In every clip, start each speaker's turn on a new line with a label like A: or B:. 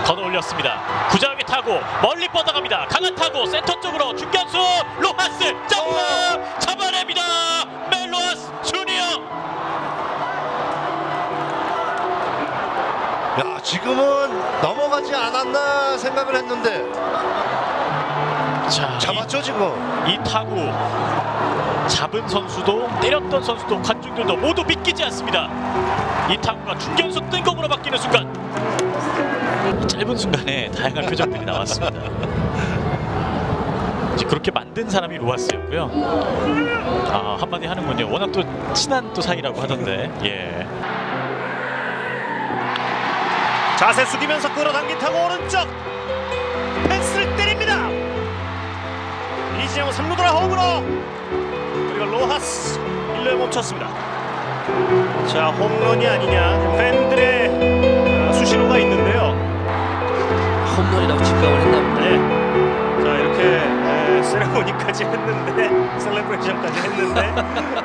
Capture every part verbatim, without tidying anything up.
A: 걷어 올렸습니다. 구자욱이 타고 멀리 뻗어갑니다. 강한 타고 센터 쪽으로 중견수 로하스 점프 잡아냅니다. 멜로하스 주니어.
B: 야, 지금은 넘어가지 않았나 생각을 했는데
A: 자,
B: 잡았죠 지금.
A: 이, 이 타구 잡은 선수도 때렸던 선수도 관중들도 모두 믿기지 않습니다. 이 타구가 중견수 뜬공으로 바뀌는 순간, 이 짧은 순간에 다양한 표정들이 나왔습니다. 이제 그렇게 만든 사람이 로하스였고요. 아, 한마디 하는군요. 워낙 또 친한 또 사이라고 하던데. 예.
C: 자세 숙이면서 끌어당긴 타고 오른쪽 펜스를 때립니다. 이진영 삼루 돌아 홈으로, 그리고 로하스 일 루에 멈췄습니다. 자, 홈런이 아니냐 팬들의 수신호가 있는데요.
D: 홈런이라고 직감을 했나 보다.
C: 네. 자, 이렇게 에, 세레모니까지 했는데, 셀레브레이션까지 했는데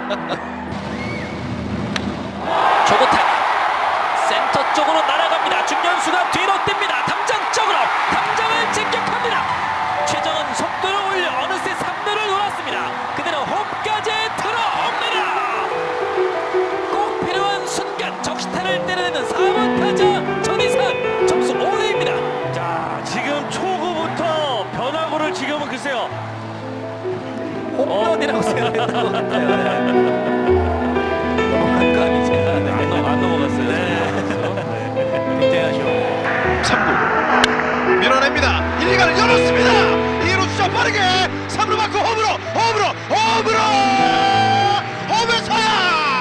D: 조고타 센터 쪽으로 날아갑니다. 중견수가 뒤로 뜁니다. 담장 쪽으로, 담장을 직격합니다. 최정은 속도를 올려 어느새 삼 루를 돌았습니다. 그대로 홈까지 들어옵니다. 꼭 필요한 순간 적시타를 때려내는 사 번 타자 전희선, 점수 오 대입니다.
C: 자, 지금 초구부터 변화구를 지금은 글쎄요.
D: 홈런이라고 생각했던 것 같아요. 네. 넘어간 거 아니지? 네. 안, 넘, 안 넘어갔어요. 네. 굉장히 아쉬워요.
B: 삼 구 밀어냅니다. 일, 이 가를 열었습니다. 이 루 주자 빠르게 삼 루 맞고 홈으로 홈으로 홈으로 홈에서야.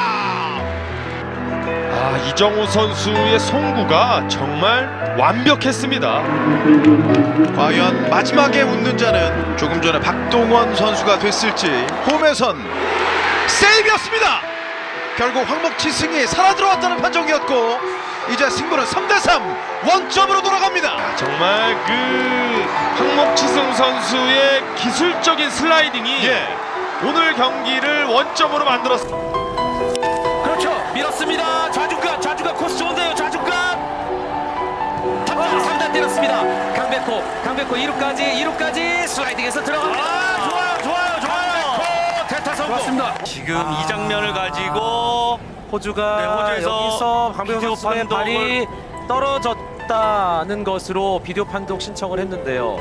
E: 아, 이정우 선수의 송구가 정말 완벽했습니다.
B: 과연 마지막에 웃는 자는 조금 전에 박동원 선수가 됐을지. 홈에선 세이브였습니다. 결국 황목치 승이 살아 들어왔다는 판정이었고, 이제 승부는 삼 대 삼 원점으로 돌아갑니다.
E: 정말 그 황목치승 선수의 기술적인 슬라이딩이
B: 예.
E: 오늘 경기를 원점으로 만들었습니다.
D: 그렇죠. 밀었습니다. 좌중간, 좌중간 코스 좋은데요. 좌중간. 탑장 삼 단 때렸습니다. 강백호, 강백호 이 루까지, 이 루까지 슬라이딩해서 들어갑니다.
C: 아, 좋아요, 좋아요, 좋아요. 대타 성공.
D: 좋았습니다.
F: 지금 이 장면을 가지고
D: 호주가
F: 네, 호주에서
D: 여기서 강백호
F: 비디오
D: 선수의
F: 판독을-
D: 발이 떨어졌다는 것으로 비디오 판독 신청을 했는데요.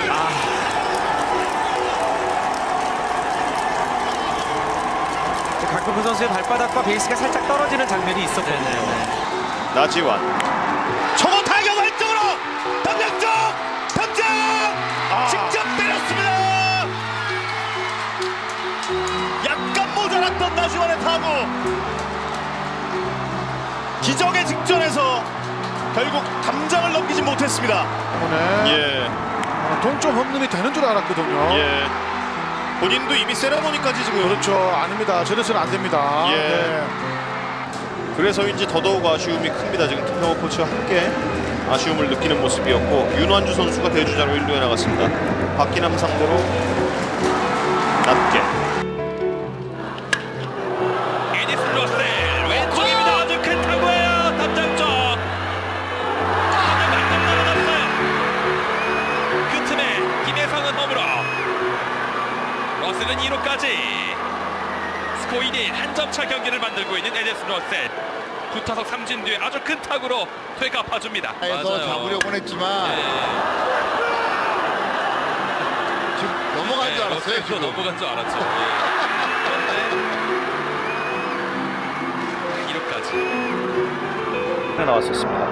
D: 아. 강백호 선수의 발바닥과 베이스가 살짝 떨어지는 장면이 있었거든요.
C: 나지완 초고 타격 왼쪽으로 담장 쪽 담장 직접 때렸습니다. 약간 모자랐던 나지완의 타구, 기적의 직전에서 결국 담장을 넘기지 못했습니다.
B: 예.
G: 동점 홈런이 되는 줄 알았거든요.
C: 예. 본인도 이미 세레모니까지 지금.
G: 그렇죠. 아닙니다. 저래서는 안 됩니다.
C: 예.
G: 네.
C: 그래서인지 더더욱 아쉬움이 큽니다. 지금 김명호 코치와 함께 아쉬움을 느끼는 모습이었고, 윤완주 선수가 대주자로 일 루에 나갔습니다. 박기남 상대로 낮게.
F: 에디슨 로셀 왼쪽입니다. 아주 큰 타구예요. 담장 쪽. 타구 완전 날아갔어요. 그 틈에 김혜성은 홈으로. 로셀은 이 루까지. 스코어 이 대 일 한 점 차 경기를 만들고 있는 에디슨 로셀. 두 타석 삼진 뒤에 아주 큰 타구로 되갚아줍니다.
H: 해서 잡으려고 했지만 지금 넘어간 줄 알았어요.
F: 네,
H: 지금.
F: 넘어간 줄 알았죠. 예. 이 루까지.
C: 나왔었습니다.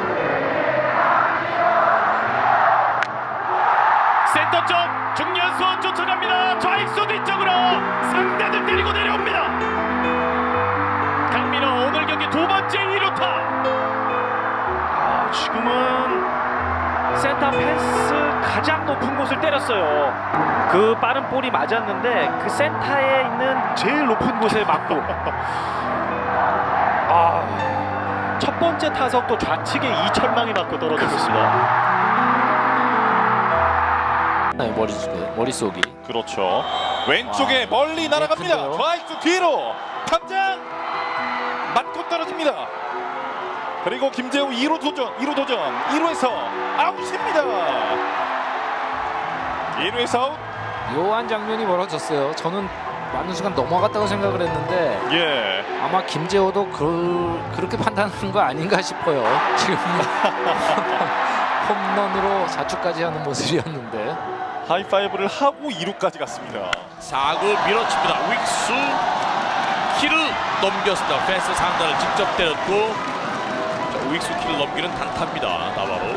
A: 센터 쪽 중견수 쫓아갑니다. 좌익수 뒤쪽으로 상대들 때리고 내려옵니다. 강민호 오늘 경기 두 번째 이 루타. 아, 지금은 센터 펜스 가장 높은 곳을 때렸어요. 그 빠른 볼이 맞았는데 그 센터에 있는 제일 높은 곳에 맞고. 아, 첫 번째 타석도 좌측에 이철망이 맞고 떨어졌습니다.
D: 머릿속에, 머릿속이.
E: 그렇죠. 왼쪽에 멀리 날아갑니다.
D: 큰데요?
E: 좌익수 뒤로 담장 맞고 떨어집니다. 그리고 김재우 이 루 도전, 이 루 도전, 이 루에서 아웃입니다. 이 루에서 아웃.
D: 묘한 장면이 벌어졌어요. 저는 맞는 순간 넘어갔다고 생각을 했는데
E: 예.
D: 아마 김재호도 그, 그렇게 판단하는 거 아닌가 싶어요. 지금 홈런으로 자축까지 하는 모습이었는데
E: 하이파이브를 하고 이 루까지 갔습니다.
A: 사 구 밀어칩니다. 윅수 키를 넘겼습니다. 펜스 상단을 직접 때렸고 자, 윅수 키를 넘기는 단타입니다. 나바로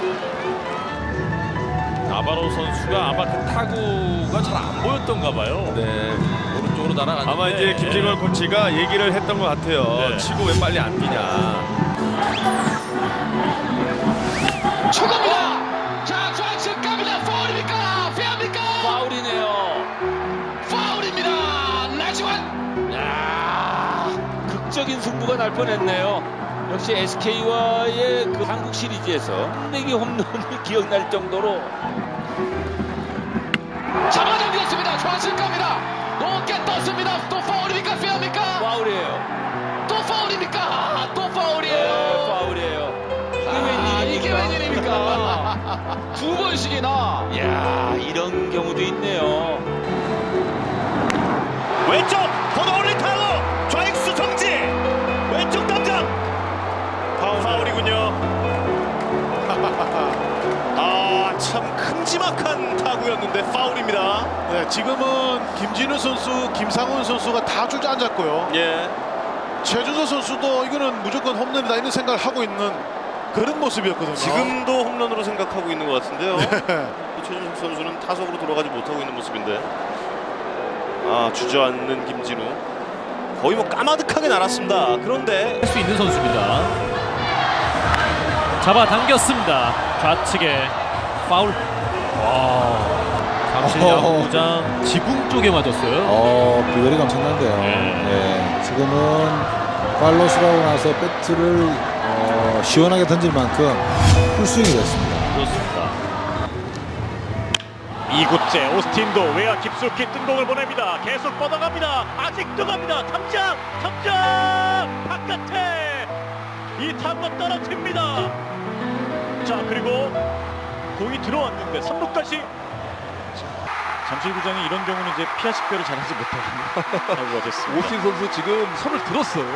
A: 나바로 선수가 아마 그 타구가 잘 안 보였던가 봐요. 네, 오른쪽으로 날아갔는데
E: 아마 이제 김재걸 코치가 얘기를 했던 것 같아요.
A: 네.
E: 치고 왜 빨리 안 뛰냐.
I: 초구입니다. 자, 좌측 갑니다. 파울입니까? 페어입니까?
D: 파울이네요.
I: 파울입니다. 나지완.
D: 야, 극적인 승부가 날 뻔했네요. 역시 에스케이와의 그 한국 시리즈에서 내기 홈런이 기억날 정도로
I: 잡아당겼습니다. 좌측 갑니다. 높게 떴습니다. 또 파울입니까? 페어입니까?
D: 파울이에요.
I: 또 파울입니까? 아, 또
D: 네,
I: 파울이에요.
D: 파울이에요. 이게
I: 아,
D: 웬일입니까?
I: 이게 웬일입니까? 두 번씩이나.
D: 야, 이런 경우도 있네요.
C: 왼쪽 걷어 올린 타구 좌익수 정지 왼쪽 담장 파울. 파울이군요. 아, 참 큼지막한 타구였는데 파울입니다.
G: 네, 지금은 김진우 선수, 김상훈 선수가 다 주저앉았고요.
C: 예.
G: 최준서 선수도 이거는 무조건 홈런이다 이런 생각을 하고 있는 그런 모습이었거든요.
C: 지금도 홈런으로 생각하고 있는 것 같은데요. 최준석 선수는 타석으로 돌아가지 못하고 있는 모습인데 아, 주저앉는 김진우 거의 뭐 까마득하게 날았습니다. 그런데
A: 할 수 있는 선수입니다. 잡아당겼습니다. 좌측에 파울. 와, 잠실 야구장 지붕 쪽에 맞았어요.
J: 어, 비거리가 엄청난데요.
A: 네.
J: 예, 지금은 팔로스라고 나서 배트를 어, 시원하게 던질 만큼 풀스윙이 됐습니다.
A: 그렇습니다. 이 구째 오스틴도 외야 깊숙이 뜬공을 보냅니다. 계속 뻗어갑니다. 아직도 갑니다. 탐장, 탐장 바깥에 이 타구가 떨어집니다. 자, 그리고 공이 들어왔는데 삼 루까지. 잠실구장이 이런 경우는 이제 피아 식별을 잘하지 못하는 타구가 됐습니다. 오스틴 선수 지금 손을 들었어요.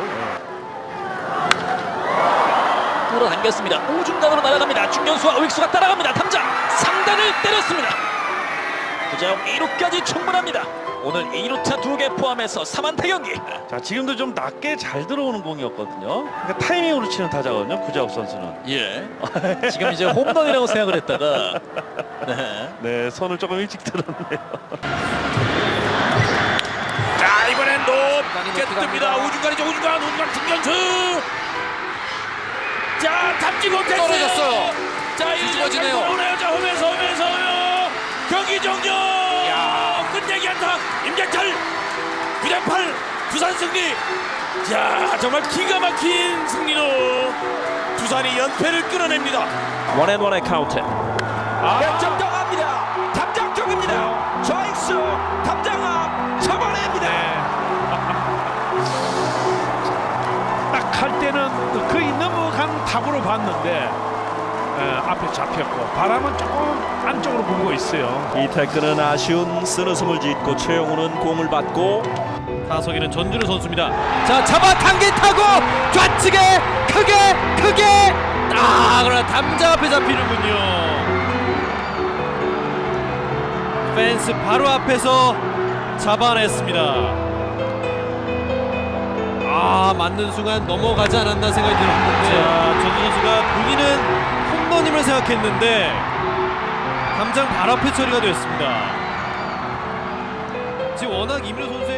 D: 끌어당겼습니다. 우중간으로 날아갑니다. 중견수와 우익수가 따라갑니다. 탐장 상단을 때렸습니다. 구자욱 이 루까지 충분합니다. 오늘 이 루타 두 개 포함해서 삼 안타 경기.
K: 자, 지금도 좀 낮게 잘 들어오는 공이었거든요. 그러니까 타이밍으로 치는 타자거든요, 구자욱 선수는.
D: 예. 지금 이제 홈런이라고 생각을 했다가 네.
K: 네, 손을 조금 일찍 들었네요.
D: 자, 이번엔 높게 뜹니다. 우중간이죠. 우중간, 우중간 중견수. 자, 탑지 못했어요. 떨어졌어요. 자, 뒤집어지네요. 오네요. 자, 홈에서 홈에서 경기 종료. 야, 끝내기 한타. 임재철 구 대 팔 두산 승리. 자, 정말 기가 막힌 승리로 두산이 연패를 끌어냅니다. 원앤원의 카운트. 아, 역점 들어갑니다. 담장 쪽입니다. 좌익수 담장 앞 잡아냅니다.
K: 딱 할 때는 거의 넘어간 타구로 봤는데 에, 앞에 잡혔고 바람은 조금 안쪽으로 불고 있어요. 이 태클은 아쉬운 쓰러짐을 짓고 최영우는 공을 받고
A: 타석에는 전준우 선수입니다.
D: 자, 잡아 당긴 타고 좌측에 크게 크게.
A: 아, 그러나 담장 앞에 잡히는군요. 펜스 바로 앞에서 잡아냈습니다. 아, 맞는 순간 넘어가지 않았나 생각이 들었는데 전준우 선수가 본인은 홈런임을 생각했는데 담장 바로 앞에 처리가 되었습니다. 지금 워낙 이민호 선수